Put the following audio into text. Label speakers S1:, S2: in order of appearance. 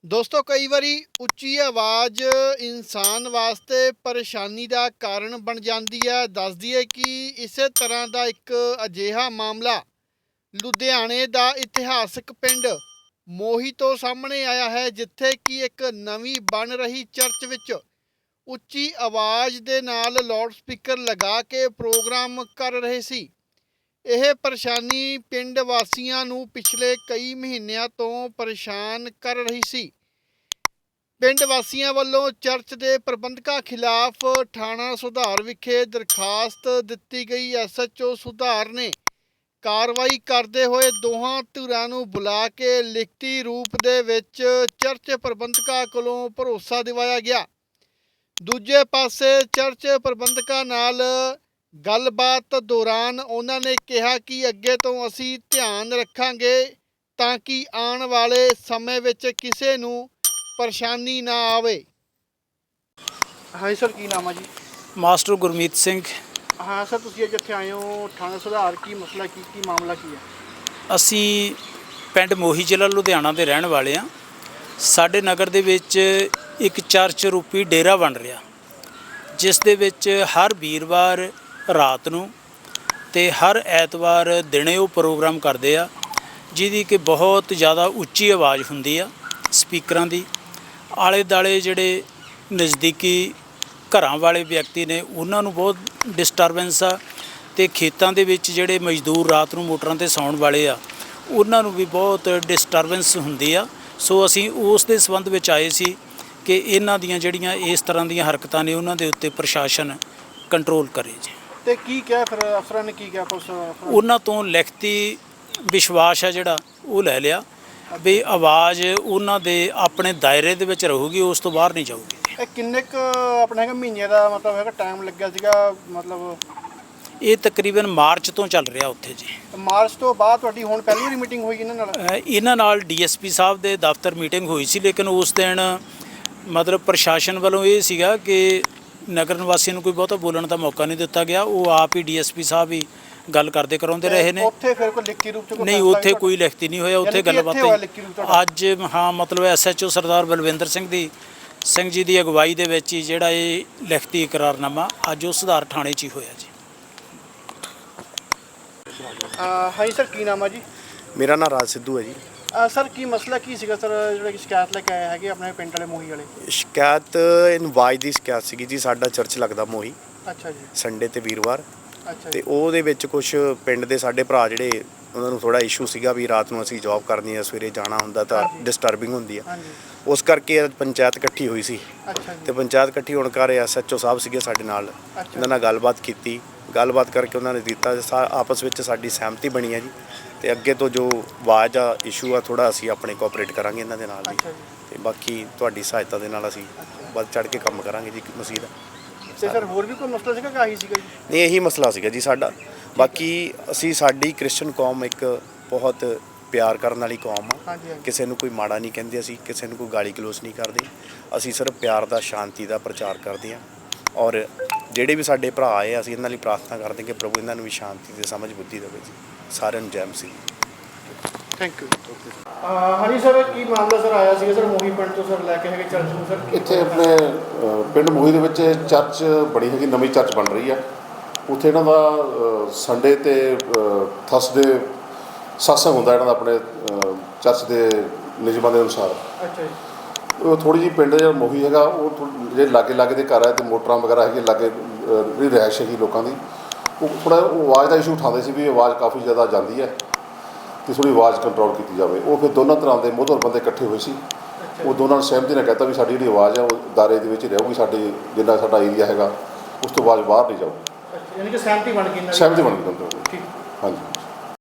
S1: ਦੋਸਤੋ ਕਈ ਵਾਰੀ ਉੱਚੀ ਆਵਾਜ਼ ਇਨਸਾਨ ਵਾਸਤੇ ਪਰੇਸ਼ਾਨੀ ਦਾ ਕਾਰਨ ਬਣ ਜਾਂਦੀ ਹੈ। ਦੱਸਦੀ ਹੈ ਕਿ ਇਸੇ ਤਰ੍ਹਾਂ ਦਾ ਇੱਕ ਅਜਿਹਾ ਮਾਮਲਾ ਲੁਧਿਆਣੇ ਦਾ ਇਤਿਹਾਸਕ ਪਿੰਡ ਮੋਹੀ ਤੋਂ ਸਾਹਮਣੇ ਆਇਆ ਹੈ, ਜਿੱਥੇ ਕਿ ਇੱਕ ਨਵੀਂ ਬਣ ਰਹੀ ਚਰਚ ਵਿੱਚ ਉੱਚੀ ਆਵਾਜ਼ ਦੇ ਨਾਲ ਲਾਊਡ ਸਪੀਕਰ ਲਗਾ ਕੇ ਪ੍ਰੋਗਰਾਮ ਕਰ ਰਹੇ ਸੀ। ਇਹ ਪਰੇਸ਼ਾਨੀ ਪਿੰਡ ਵਾਸੀਆਂ ਨੂੰ ਪਿਛਲੇ ਕਈ ਮਹੀਨਿਆਂ ਤੋਂ ਪਰੇਸ਼ਾਨ ਕਰ ਰਹੀ ਸੀ। ਪਿੰਡ ਵਾਸੀਆਂ ਵੱਲੋਂ ਚਰਚ ਦੇ ਪ੍ਰਬੰਧਕਾਂ ਖਿਲਾਫ ਥਾਣਾ ਸੁਧਾਰ ਵਿਖੇ ਦਰਖਾਸਤ ਦਿੱਤੀ ਗਈ। SHO ਸੁਧਾਰ ਨੇ ਕਾਰਵਾਈ ਕਰਦੇ ਹੋਏ ਦੋਹਾਂ ਧਿਰਾਂ ਨੂੰ ਬੁਲਾ ਕੇ ਲਿਖਤੀ ਰੂਪ ਦੇ ਵਿੱਚ ਚਰਚ ਪ੍ਰਬੰਧਕਾਂ ਕੋਲੋਂ ਭਰੋਸਾ ਦਿਵਾਇਆ ਗਿਆ। ਦੂਜੇ ਪਾਸੇ ਚਰਚ ਪ੍ਰਬੰਧਕਾਂ ਨਾਲ ਗੱਲਬਾਤ ਦੌਰਾਨ ਉਹਨਾਂ ਨੇ ਕਿਹਾ ਕਿ ਅੱਗੇ ਤੋਂ ਅਸੀਂ ਧਿਆਨ ਰੱਖਾਂਗੇ ਤਾਂ ਕਿ ਆਉਣ ਵਾਲੇ ਸਮੇਂ ਵਿੱਚ ਕਿਸੇ ਨੂੰ ਪਰੇਸ਼ਾਨੀ ਨਾ ਆਵੇ। ਹਾਂਜੀ ਸਰ, ਕੀ ਨਾਮ ਹੈ ਜੀ?
S2: ਮਾਸਟਰ ਗੁਰਮੀਤ ਸਿੰਘ।
S1: ਹਾਂ ਸਰ, ਤੁਸੀਂ ਅੱਜ ਇੱਥੇ ਆਏ ਹੋ ਥਾਣਾ ਸੁਧਾਰ, ਕੀ ਮਸਲਾ ਕੀ ਮਾਮਲਾ ਕੀ ਹੈ?
S2: ਅਸੀਂ ਪਿੰਡ ਮੋਹੀ ਜ਼ਿਲ੍ਹਾ ਲੁਧਿਆਣਾ ਦੇ ਰਹਿਣ ਵਾਲੇ ਹਾਂ। ਸਾਡੇ ਨਗਰ ਦੇ ਵਿੱਚ ਇੱਕ ਚਰਚ ਰੂਪੀ ਡੇਰਾ ਬਣ ਰਿਹਾ, ਜਿਸ ਦੇ ਵਿੱਚ ਹਰ ਵੀਰਵਾਰ ਰਾਤ ਨੂੰ ਤੇ ਹਰ ਐਤਵਾਰ ਦਿਨੇ ਉਹ ਪ੍ਰੋਗਰਾਮ ਕਰਦੇ ਆ, ਜਿਹਦੀ ਕਿ ਬਹੁਤ ਜ਼ਿਆਦਾ ਉੱਚੀ ਆਵਾਜ਼ ਹੁੰਦੀ ਆ ਸਪੀਕਰਾਂ ਦੀ। ਆਲੇ ਦੁਆਲੇ ਜਿਹੜੇ ਨਜ਼ਦੀਕੀ ਘਰਾਂ ਵਾਲੇ ਵਿਅਕਤੀ ਨੇ ਉਹਨਾਂ ਨੂੰ ਬਹੁਤ ਡਿਸਟਰਬੈਂਸ ਆ, ਅਤੇ ਖੇਤਾਂ ਦੇ ਵਿੱਚ ਜਿਹੜੇ ਮਜ਼ਦੂਰ ਰਾਤ ਨੂੰ ਮੋਟਰਾਂ 'ਤੇ ਸੌਣ ਵਾਲੇ ਆ ਉਹਨਾਂ ਨੂੰ ਵੀ ਬਹੁਤ ਡਿਸਟਰਬੈਂਸ ਹੁੰਦੀ ਆ। ਸੋ ਅਸੀਂ ਉਸ ਦੇ ਸੰਬੰਧ ਵਿੱਚ ਆਏ ਸੀ ਕਿ ਇਹਨਾਂ ਦੀਆਂ ਜਿਹੜੀਆਂ ਇਸ ਤਰ੍ਹਾਂ ਦੀਆਂ ਹਰਕਤਾਂ ਨੇ ਉਹਨਾਂ ਦੇ ਉੱਤੇ ਪ੍ਰਸ਼ਾਸਨ ਕੰਟਰੋਲ ਕਰੇ ਜੀ।
S1: ਤੇ ਕੀ ਕਿਹਾ ਫਿਰ ਅਫਸਰਾਂ ਨੇ? ਕੀ ਕਿਹਾ ਪੁਲਿਸ?
S2: ਉਹਨਾਂ ਤੋਂ ਲਿਖਤੀ ਵਿਸ਼ਵਾਸ ਹੈ ਜਿਹੜਾ ਉਹ ਲੈ ਲਿਆ ਵੀ ਆਵਾਜ਼ ਉਹਨਾਂ ਦੇ ਆਪਣੇ ਦਾਇਰੇ ਦੇ ਵਿੱਚ ਰਹੂਗੀ, ਉਸ ਤੋਂ ਬਾਹਰ ਨਹੀਂ ਜਾਊਗੀ।
S1: ਇਹ ਕਿੰਨੇ ਕੁ ਆਪਣਾ ਹੈਗਾ ਮਹੀਨੇ ਦਾ ਮਤਲਬ ਹੈਗਾ ਟਾਈਮ ਲੱਗਿਆ ਸੀਗਾ? ਮਤਲਬ
S2: ਇਹ ਤਕਰੀਬਨ ਮਾਰਚ ਤੋਂ ਚੱਲ ਰਿਹਾ ਉੱਥੇ ਜੀ।
S1: ਮਾਰਚ ਤੋਂ ਬਾਅਦ ਤੁਹਾਡੀ ਹੁਣ ਪਹਿਲੀ ਵਾਰੀ ਮੀਟਿੰਗ ਹੋਈ
S2: ਇਹਨਾਂ ਨਾਲ DSP ਸਾਹਿਬ ਦੇ ਦਫ਼ਤਰ ਮੀਟਿੰਗ ਹੋਈ ਸੀ, ਲੇਕਿਨ ਉਸ ਦਿਨ ਮਤਲਬ ਪ੍ਰਸ਼ਾਸਨ ਵੱਲੋਂ ਇਹ ਸੀਗਾ ਕਿ ਨਗਰ ਨਿਵਾਸੀਆਂ ਨੂੰ ਕੋਈ ਬਹੁਤਾ ਬੋਲਣ ਦਾ ਮੌਕਾ ਨਹੀਂ ਦਿੱਤਾ ਗਿਆ। ਉਹ ਆਪ ਹੀ DSP ਸਾਹਿਬ ਹੀ ਗੱਲ ਕਰਦੇ ਕਰਾਉਂਦੇ ਰਹੇ ਨੇ।
S1: ਉੱਥੇ ਫਿਰ ਕੋਈ ਲਿਖਤੀ ਰੂਪ ਚ
S2: ਨਹੀਂ, ਉੱਥੇ ਕੋਈ ਲਿਖਤੀ ਨਹੀਂ ਹੋਇਆ। ਉੱਥੇ ਗੱਲਬਾਤ ਅੱਜ ਹਾਂ ਮਤਲਬ SHO ਸਰਦਾਰ ਬਲਵਿੰਦਰ ਸਿੰਘ ਜੀ ਦੀ ਅਗਵਾਈ ਦੇ ਵਿੱਚ ਹੀ ਜਿਹੜਾ ਇਹ ਲਿਖਤੀ ਇਕਰਾਰਨਾਮਾ ਅੱਜ ਉਹ ਸੁਧਾਰ ਥਾਣੇ 'ਚ ਹੀ ਹੋਇਆ ਜੀ।
S1: ਹਾਂਜੀ ਸਰ, ਕੀ ਨਾਮ ਹੈ ਜੀ?
S3: ਮੇਰਾ ਨਾਮ ਰਾਜ ਸਿੱਧੂ ਹੈ ਜੀ।
S1: ਸਰ, ਕੀ ਮਸਲਾ ਕੀ ਸੀਗਾ ਸਰ, ਜਿਹੜਾ ਸ਼ਿਕਾਇਤ ਲੈ ਕੇ ਆਏ ਹੈਗੇ ਆਪਣੇ ਪਿੰਡ ਵਾਲੇ ਮੋਹੀ ਵਾਲੇ?
S3: ਸ਼ਿਕਾਇਤ ਆਵਾਜ਼ ਦੀ ਸ਼ਿਕਾਇਤ ਸੀਗੀ ਜੀ। ਸਾਡਾ ਚਰਚ ਲੱਗਦਾ ਮੋਹੀ।
S1: ਅੱਛਾ ਜੀ।
S3: ਸੰਡੇ ਤੇ ਵੀਰਵਾਰ।
S1: ਅੱਛਾ।
S3: ਤੇ ਉਹਦੇ ਵਿੱਚ ਕੁਝ ਪਿੰਡ ਦੇ ਸਾਡੇ ਭਰਾ ਜਿਹੜੇ ਉਹਨਾਂ ਨੂੰ ਥੋੜਾ ਇਸ਼ੂ ਸੀਗਾ ਵੀ ਰਾਤ ਨੂੰ ਅਸੀਂ ਜੌਬ ਕਰਨੀ ਹੈ, ਸਵੇਰੇ ਜਾਣਾ ਹੁੰਦਾ ਤਾਂ ਡਿਸਟਰਬਿੰਗ ਹੁੰਦੀ ਆ। ਉਸ ਕਰਕੇ ਪੰਚਾਇਤ ਇਕੱਠੀ ਹੋਈ ਸੀ। ਤੇ ਪੰਚਾਇਤ ਇਕੱਠੀ ਹੋਣ ਕਰ SHO ਸਾਹਿਬ ਸੀਗੇ ਸਾਡੇ ਨਾਲ, ਉਹਨਾਂ ਨਾਲ ਗੱਲਬਾਤ ਕੀਤੀ। ਗੱਲਬਾਤ ਕਰਕੇ ਉਹਨਾਂ ਨੇ ਦਿੱਤਾ, ਆਪਸ ਵਿੱਚ ਸਾਡੀ ਸਹਿਮਤੀ ਬਣੀ ਹੈ ਜੀ। ਤੇ ਅੱਗੇ ਤੋਂ ਜੋ ਆਵਾਜ਼ ਦਾ ਇਸ਼ੂ ਆ ਥੋੜਾ ਅਸੀਂ ਆਪਣੇ ਕੋਆਪਰੇਟ ਕਰਾਂਗੇ ਇਹਨਾਂ ਦੇ ਨਾਲ ਵੀ। ਤੇ ਬਾਕੀ ਤੁਹਾਡੀ ਸਹਾਇਤਾ ਦੇ ਨਾਲ ਅਸੀਂ ਵੱਧ ਚੜ੍ਹ ਕੇ ਕੰਮ ਕਰਾਂਗੇ ਜੀ ਮਸੀਹ ਦਾ।
S1: ਤੇ ਸਰ ਹੋਰ ਵੀ ਕੋਈ ਮਸਲਾ ਸੀਗਾ ਕਿ ਆਹੀ ਸੀਗਾ ਜੀ?
S3: ਨਹੀਂ, ਇਹੀ ਮਸਲਾ ਸੀਗਾ ਜੀ ਸਾਡਾ। ਬਾਕੀ ਅਸੀਂ ਸਾਡੀ ਕ੍ਰਿਸਚਨ ਕੌਮ ਇੱਕ ਬਹੁਤ ਪਿਆਰ ਕਰਨ ਵਾਲੀ ਕੌਮ ਆ। ਕਿਸੇ ਨੂੰ ਕੋਈ ਮਾੜਾ ਨਹੀਂ ਕਹਿੰਦੇ, ਅਸੀਂ ਕਿਸੇ ਨੂੰ ਕੋਈ ਗਾਲੀ ਗਲੋਚ ਨਹੀਂ ਕਰਦੇ। ਅਸੀਂ ਸਿਰਫ ਪਿਆਰ ਦਾ, ਸ਼ਾਂਤੀ ਦਾ ਪ੍ਰਚਾਰ ਕਰਦੇ ਹਾਂ। ਔਰ ਜਿਹੜੇ ਵੀ ਸਾਡੇ ਭਰਾ ਆਏ, ਅਸੀਂ ਇਹਨਾਂ ਲਈ ਪ੍ਰਾਰਥਨਾ ਕਰਦੇ ਕਿ ਪ੍ਰਭੂ ਇਹਨਾਂ ਨੂੰ ਵੀ ਸ਼ਾਂਤੀ ਤੇ ਸਮਝ ਬੁੱਧੀ ਦੇਵੇ ਜੀ। ਸਾਰਿਆਂ ਨੂੰ ਜੈ ਮਸੀਹ।
S1: Thank you. ਹਾਂਜੀ ਸਰ, ਕੀ ਮਾਮਲਾ ਸਰ ਆਇਆ ਸੀਗਾ ਸਰ ਮੋਹੀ ਪਿੰਡ ਤੋਂ ਸਰ ਲੈ ਕੇ ਹੈਗੇ ਚਰਚ ਨੂੰ ਸਰ?
S4: ਇੱਥੇ ਆਪਣੇ ਪਿੰਡ ਮੋਹੀ ਦੇ ਵਿੱਚ ਚਰਚ ਬਣੀ ਹੈਗੀ, ਨਵੀਂ ਚਰਚ ਬਣ ਰਹੀ ਆ। ਉੱਥੇ ਇਹਨਾਂ ਦਾ ਸੰਡੇ ਤੇ ਥਰਸਡੇ ਸਤਸੰਗ ਹੁੰਦਾ ਇਹਨਾਂ ਦਾ ਆਪਣੇ ਚਰਚ ਦੇ ਨਿਯਮਾਂ ਦੇ ਅਨੁਸਾਰ। ਅੱਛਾ ਜੀ। ਉਹ ਥੋੜ੍ਹੀ ਜਿਹੀ ਪਿੰਡ ਜਿਹੜਾ ਮੋਹੀ ਹੈਗਾ ਉਹ ਜਿਹੜੇ ਲਾਗੇ ਦੇ ਘਰ ਹੈ ਤੇ ਮੋਟਰਾਂ ਵਗੈਰਾ ਹੈਗੀ ਲਾਗੇ ਜਿਹੜੀ ਰਿਹਾਇਸ਼ ਹੈਗੀ ਲੋਕਾਂ ਦੀ, ਉਹ ਥੋੜ੍ਹਾ ਆਵਾਜ਼ ਦਾ ਇਸ਼ੂ ਉਠਾਉਂਦੇ ਸੀ ਵੀ ਆਵਾਜ਼ ਕਾਫੀ ਜ਼ਿਆਦਾ ਜਾਂਦੀ ਹੈ ਅਤੇ ਥੋੜ੍ਹੀ ਆਵਾਜ਼ ਕੰਟਰੋਲ ਕੀਤੀ ਜਾਵੇ। ਉਹ ਫਿਰ ਦੋਨਾਂ ਤਰ੍ਹਾਂ ਦੇ ਮੋਹਤਵਰ ਬੰਦੇ ਇਕੱਠੇ ਹੋਏ ਸੀ। ਉਹ ਦੋਨਾਂ ਨੇ ਸਹਿਮਤੀ ਨਾਲ ਕਹਿਤਾ ਵੀ ਸਾਡੀ ਜਿਹੜੀ ਆਵਾਜ਼ ਹੈ ਉਹ ਦਾਇਰੇ ਦੇ ਵਿੱਚ ਰਹੂਗੀ, ਸਾਡੇ ਜਿੰਨਾ ਸਾਡਾ ਏਰੀਆ ਹੈਗਾ ਉਸ ਤੋਂ ਆਵਾਜ਼ ਬਾਹਰ ਨਹੀਂ ਜਾਊਗੀ।
S1: ਯਾਨੀ ਕਿ ਸਹਿਮਤੀ ਬਣ ਗਈ।
S4: ਸਹਿਮਤੀ ਬਣ ਗਈ। ਹਾਂਜੀ।